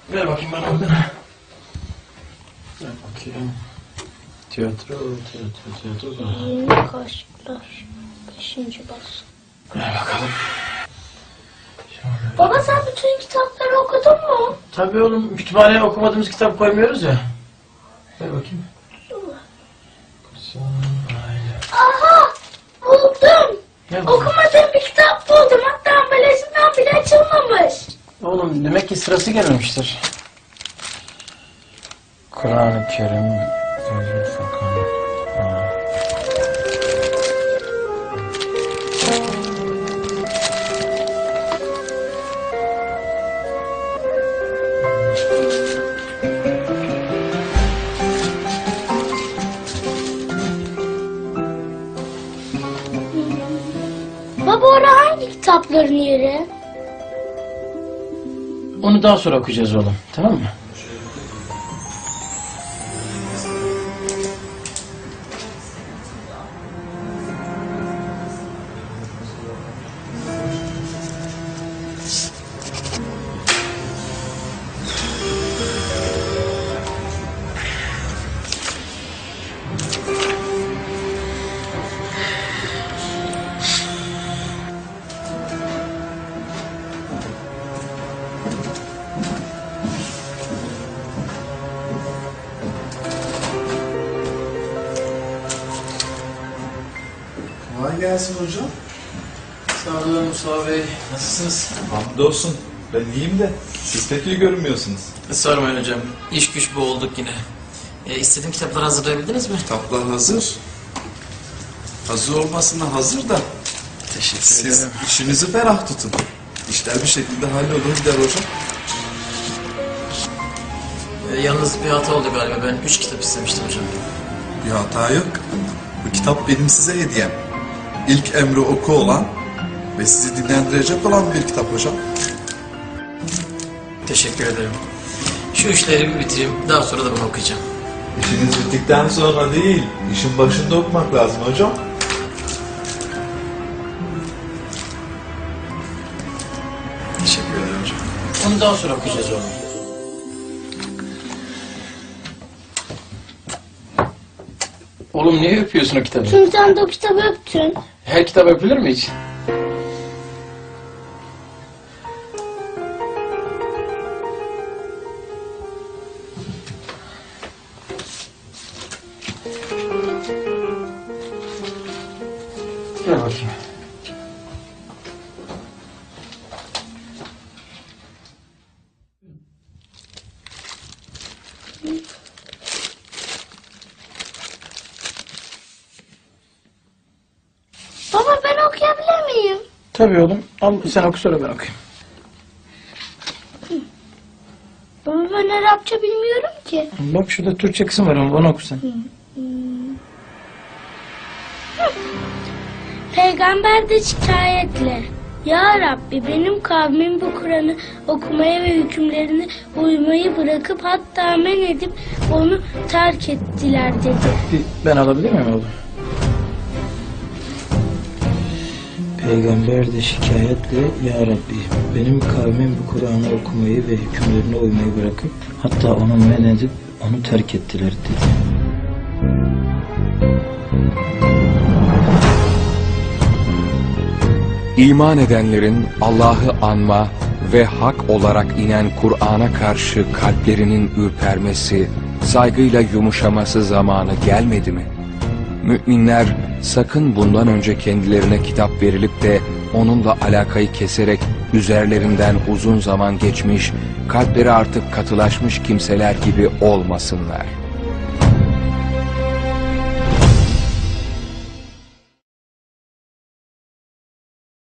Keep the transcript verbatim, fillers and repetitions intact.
Ver bakayım bana oradan. Ver bakayım. Tiyatro, tiyatro, tiyatro. Yeni kaşıklar. Beşinci baskı. Ver bakalım. Şöyle. Baba sen bütün kitapları okudun mu? Tabii oğlum, kütüphaneye okumadığımız kitap koymuyoruz ya. Ver bakayım. Aha! Buldum. Ne Okumadığım bir kitap buldum. Hatta ambalajından bile açılmamış. Oğlum demek ki sırası gelmemiştir. Kur'an-ı Kerim. Gözü Furkan. Ha. Baba orada hangi kitapların yeri? Onu daha sonra okuyacağız oğlum. Tamam mı? Kolay gelsin hocam. Sağ olun Mustafa Bey. Nasılsınız? Hamdolsun. Ben iyiyim de siz pek iyi görünmüyorsunuz. Sormayın hocam. İş güç boğulduk yine. E, istediğim kitapları hazırlayabildiniz mi? Kitaplar hazır. Hazır olmasına hazır da Teşekkür siz ederim. işinizi ferah tutun. İşler bir şekilde hallolur gider hocam. E, yalnız bir hata oldu galiba. Ben üç kitap istemiştim hocam. Bir hata yok. Bu kitap benim size hediyem. İlk emri oku olan ve sizi dinlendirecek olan bir kitap hocam. Teşekkür ederim. Şu işleri bir bitireyim. Daha sonra da bunu okuyacağım. İşiniz bittikten sonra değil, işin başında okumak lazım hocam. Teşekkür ederim hocam. Onu daha sonra okuyacağız oğlum. Oğlum niye öpüyorsun o kitabı? Çünkü sen de o kitabı öptün. Her kitap öpülür mü hiç? Gel bakayım. Baba ben okuyabilir miyim? Tabii oğlum. Al sen oku sonra ben okuyayım. Baba ben Arapça bilmiyorum ki. Bak şurada Türkçe kısım var ama bana oku sen. Peygamber de şikayetle. Ya Rabbi benim kavmim bu Kur'an'ı okumaya ve hükümlerine uymayı bırakıp hatta men edip onu terk ettiler dedi. Ben alabilir miyim oğlum? Peygamber de şikayetle Ya Rabbi benim kavmim bu Kur'an'ı okumayı ve hükümlerine uymayı bırakıp hatta onu men edip onu terk ettiler dedi. İman edenlerin Allah'ı anma ve hak olarak inen Kur'an'a karşı kalplerinin ürpermesi, saygıyla yumuşaması zamanı gelmedi mi? Müminler sakın bundan önce kendilerine kitap verilip de onunla alakayı keserek üzerlerinden uzun zaman geçmiş, kalpleri artık katılaşmış kimseler gibi olmasınlar.